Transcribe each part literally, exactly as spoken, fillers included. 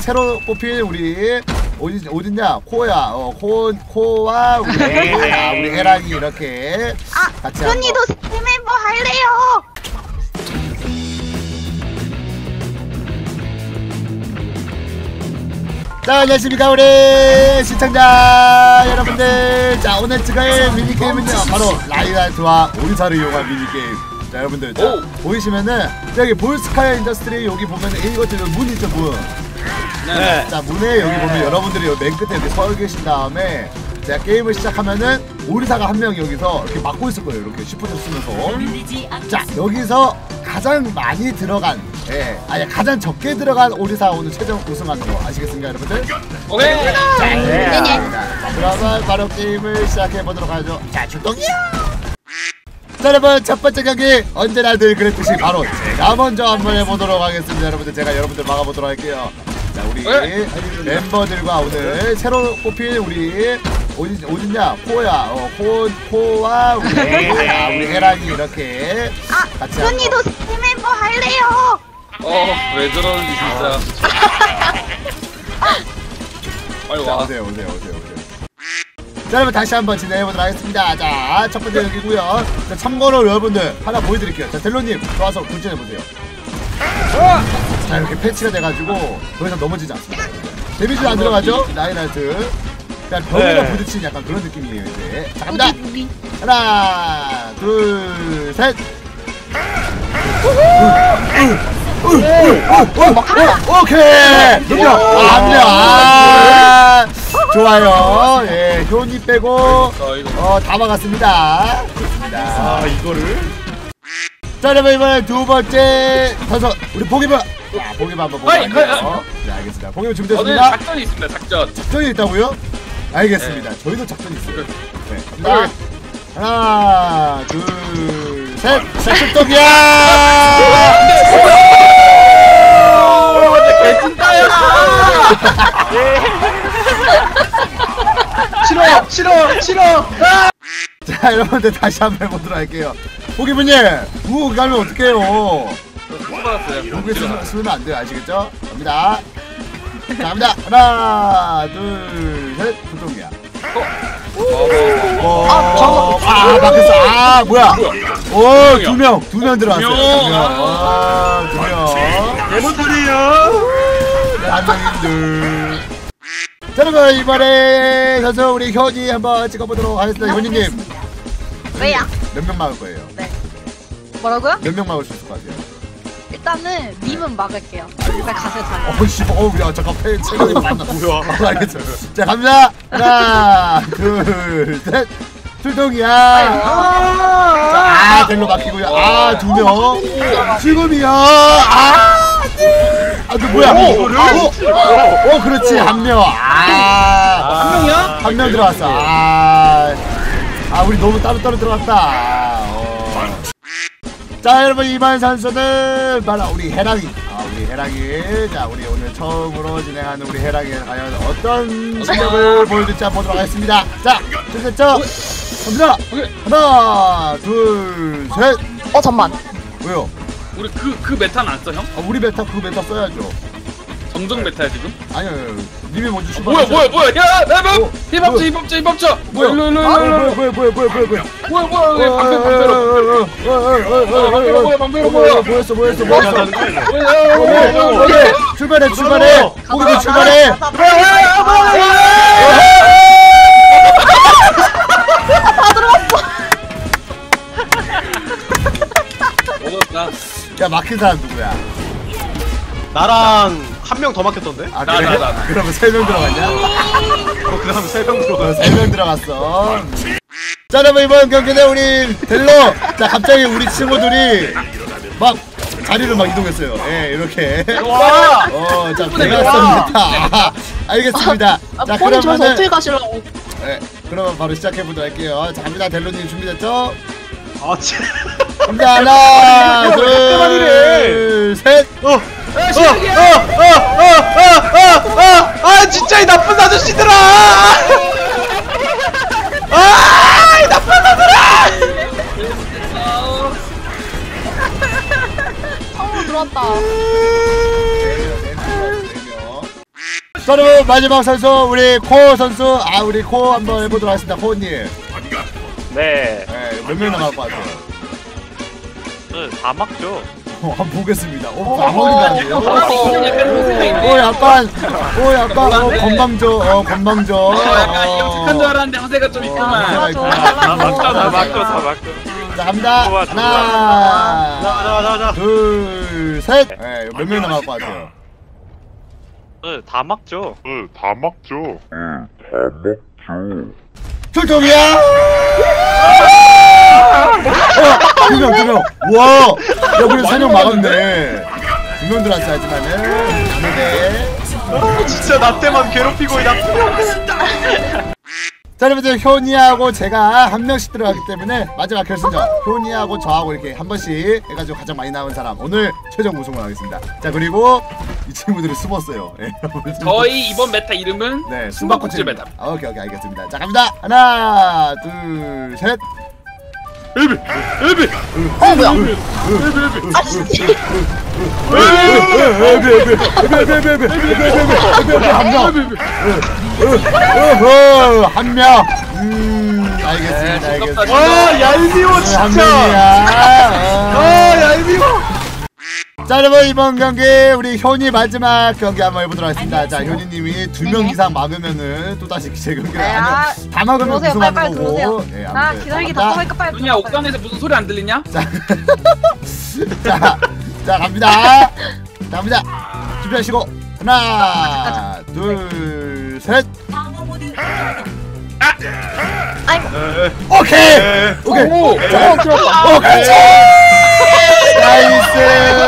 새로 뽑힌 우리 어디 어딨냐 코야 어 코 코와 우리 아, 우리 해랑이 이렇게 아, 같이 언니도 새 멤버 할래요. 자, 안녕하십니까 우리 시청자 여러분들. 자, 오늘 찍을 미니게임은요 바로 라이라이트와 오리사를 이용한 미니게임. 자, 여러분들 자, 보이시면은 여기 볼스카이 인더스트리 여기 보면은 이것들 문 있죠, 문. 네. 자, 문에 여기 보면 여러분들이 여기 맨 끝에 이렇게 서 계신 다음에 제가 게임을 시작하면은 오리사가 한 명 여기서 이렇게 막고 있을 거예요. 이렇게 슈퍼를 쓰면서. 자, 여기서 가장 많이 들어간, 예, 아니 가장 적게 들어간 오리사 오늘 최종 우승하는 거 아시겠습니까, 여러분들? 오케이. 자, 네. 네네. 자, 그러면 바로 게임을 시작해 보도록 하죠. 자, 출동이요. 자, 여러분 첫 번째 경기 언제나 늘 그랬듯이 바로 제가 먼저 한번 해보도록 하겠습니다. 여러분들 제가 여러분들 막아보도록 할게요. 자, 우리 네. 멤버들과 오늘 새로 뽑힌 우리 어디 어딨냐 코야 어 코 코와 우리 아, 우리 해랑이 이렇게 아, 같이 언니도 새 멤버 할래요. 어, 왜 저러는지 진짜. 빨리 자, 와. 오세요 오세요 오세요 오세요. 자, 여러분 다시 한번 진행해보도록 하겠습니다. 자, 첫 번째 여기고요. 자, 참고로 여러분들 하나 보여드릴게요. 자, 델로님 좋아서 굴전해보세요. 자, 이렇게 패치가 돼가지고 더 이상 넘어지지 않습니다. 데미지 안 들어가죠? 라인하트. 자, 벽에다 네. 부딪히는 약간 그런 느낌이에요 이제. 자, 갑니다. 하나 둘 셋. 오케이. 넘겨. 안돼. 아, 좋아요. 예, 효니 빼고 어 다 막았습니다. 좋습니다. 아, 이거를? 자, 여러분 이번에 두 번째 선수 우리 보기부. 자, 보기부 한번 보고 갈게요. 네, 알겠습니다. 보기부 오늘 준비됐습니다. 작전이 있습니다. 작전. 작전이 있다고요? 알겠습니다. 네. 저희도 작전이 있어요. 네, 갑니다. 하나, 둘, 셋. 자, 출동이야! 개찐따야! 싫어! 싫어! 싫어! 자, 여러분들 다시 한번 해보도록 할게요. 보기부님, 우호 가면 어떡해요? 못 받았어요. 여기 쓰면, 쓰면 안 돼요. 아시겠죠? 갑니다. 자, 갑니다. 하나, 둘, 셋. 출동이야. 어, 아, 어, 아, 바뀌었어. 아, 뭐야? 오, 두 명, 두 명 들어왔어요. 두 두 명. 명. 아, 두 명. 네번 소리요? 한 명인들. 자, 여러분 이번에 선수 우리 현이 한번 찍어보도록 하겠습니다. 현이님. 왜요? 몇 명 막을 거예요? 네. 뭐라고요? 몇 명 막을 수 있을 것 같아요? 일단은 님은 막을게요. 일단 가세요 잘. 어우 씨, 어우 야 잠깐 패 체력이 많나. 뭐야? 어, 알겠어. 자, 갑니다. 하나, 둘, 셋. 출동이야. 아, 델로 막히고요. 아, 두 명. 지금이야. 아, 아, 너 뭐야? 이거를? 어, 어, 어, 그렇지. 한 명. 아, 한 명이야? 한 명 들어왔어. 아, 아, 우리 너무 따로따로 들어갔다. 어. 자, 여러분 이번 선수는 바로 우리 해랑이. 아, 우리 해랑이. 자, 우리 오늘 처음으로 진행하는 우리 해랑이 과연 어떤 실력을 보여줄지 한번 보도록 하겠습니다. 자, 준비됐죠? 갑니다. 하나, 둘, 셋. 어 잠만. 왜요? 우리 그, 그 메타는 안 써, 형? 아, 우리 메타 그 메타 써야죠. 정정 메타야, 지금? 아니요, 아니요. 님이 먼저 아, 출발. 뭐야, 뭐야, 뭐야! 야! 나 어, 힙! 힙합자, 힙합자, 힙합자! 뭐야? 일로, 일로, 아, 일로, 일로! 뭐야, 뭐야, 뭐야, 뭐야, 뭐야, 뭐야. 뭐야, 뭐야, 왜 방패, 방패로! 방패로 뭐야, 방패로 뭐야! 뭐였어, 뭐였어, 뭐였어. 뭐야, 뭐야, 뭐야! 오케이, 출발해, 출발해. 거기서 출발해. 먹었다. 야, 막힌 사람 누구야? 나랑 한 명 더 막혔던데? 아, 나, 그래? 나, 나. 그러면 세 명 들어갔냐? 어, 그 다음에 세 명 들어가. 세 명 들어갔어. 자, 여러분 이번 경기는 우리 델로. 자, 갑자기 우리 친구들이 막 자리를 막 이동했어요. 예, 이렇게. 와! 어, 자, 대각선입니다. 아, 알겠습니다. 아, 자, 폰이 좋아서 그러면은 어떻게 가시려고? 네, 그러면 바로 시작해보도록 할게요. 자, 갑니다. 델로님 준비됐죠? 아, 진 갑니다. 하나, 왜 그때만 이래? 둘, 셋. 어! 어! 어! 어! 어! 어! 어! 아, 진짜 이 나쁜 아저씨들아! 아! 이 나쁜 아저씨들아! 처음으로 들어왔다. 네 명, 네 명, 네 명. 자, 여러분 마지막 선수 우리 코 선수. 아 우리 코 한번 해보도록 하겠습니다. 코님. 네. 네, 몇 명 남을 것 같아요? 네, 다 막죠. 어, 한번 보겠습니다. 어, 안 먹는다는데요? 오, 오, 약간, 오, 약간, 어, 건방져, 어, 건방져. 어, 약간 영특한 줄 알았는데 허세가 좀 있구만. 좋아, 좋아. 다 막죠, 다 막죠, 다 막죠. 자, 갑니다. 좋아, 좋아. 하나, 자, 자, 자. 둘, 셋. 네, 몇 명 남을 것 같아요? 네, 다 막죠. 네, 다 막죠. 출동이야! 어, 두 명, 두 명. 와, 야, 우리 세 명 막았네. 두 명 들어왔어, 하지만은. 아무데. 어, 진짜 나 때만 괴롭히고 이 나쁜 놈들. 자, 여러분들 효니하고 제가 한 명씩 들어가기 때문에 마지막 결승전 효니하고 저하고 이렇게 한 번씩 해가지고 가장 많이 나온 사람 오늘 최종 우승을 하겠습니다. 자, 그리고 이 친구들이 숨었어요. 예, 여러분. 저희 이번 메타 이름은 네, 숨바꼭질 숨바꼭질 메타. 아, 오케이, 오케이, 알겠습니다. 자, 갑니다. 하나, 둘, 셋. 엘비, 엘비. 어 뭐야? 한 명. 음, 알겠습니다. 알겠습니다. 와 얄미워 한 진짜. 명이야. 아 얄미워. 자, 여러분 이번 경기 우리 효니 마지막 경기 한번 해보도록 하겠습니다. 자, 효니님이 두 명 네네. 이상 막으면은 또 다시 제 경기를 네, 아니요 아, 다 막으면 들어오세요. 우승하는 빨리, 빨리 거고. 들어오세요. 예, 아 아무튼 기다리기 자, 답답하니까 빨리 누냐 옥상에서 무슨 소리 안 들리냐? 자, 자, 자 갑니다. 자, 갑니다. 준비하시고 하나, 둘, 셋. 아이고 오케이, 오케이. 오, 자, 오, 그렇지. 나이스.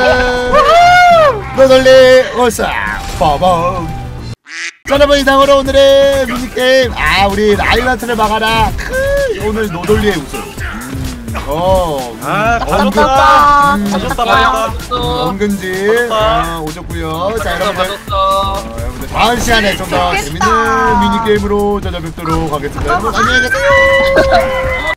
노돌리 오사 빠밤. 자, 여러분 이상으로 오늘의 미니게임 아 우리 라이라트를 막아라 크, 오늘 노돌리의 우승. 음, 어, 아 답답하다. 음, 맞았다 맞았다. 맞았다. 은근지 어, 오셨고요. 자, 여러분들 맞았어. 어, 여러분들 다음 시간에 좀 더 재밌는 미니게임으로 찾아뵙도록 하겠습니다. 여러분 안녕히 계세요.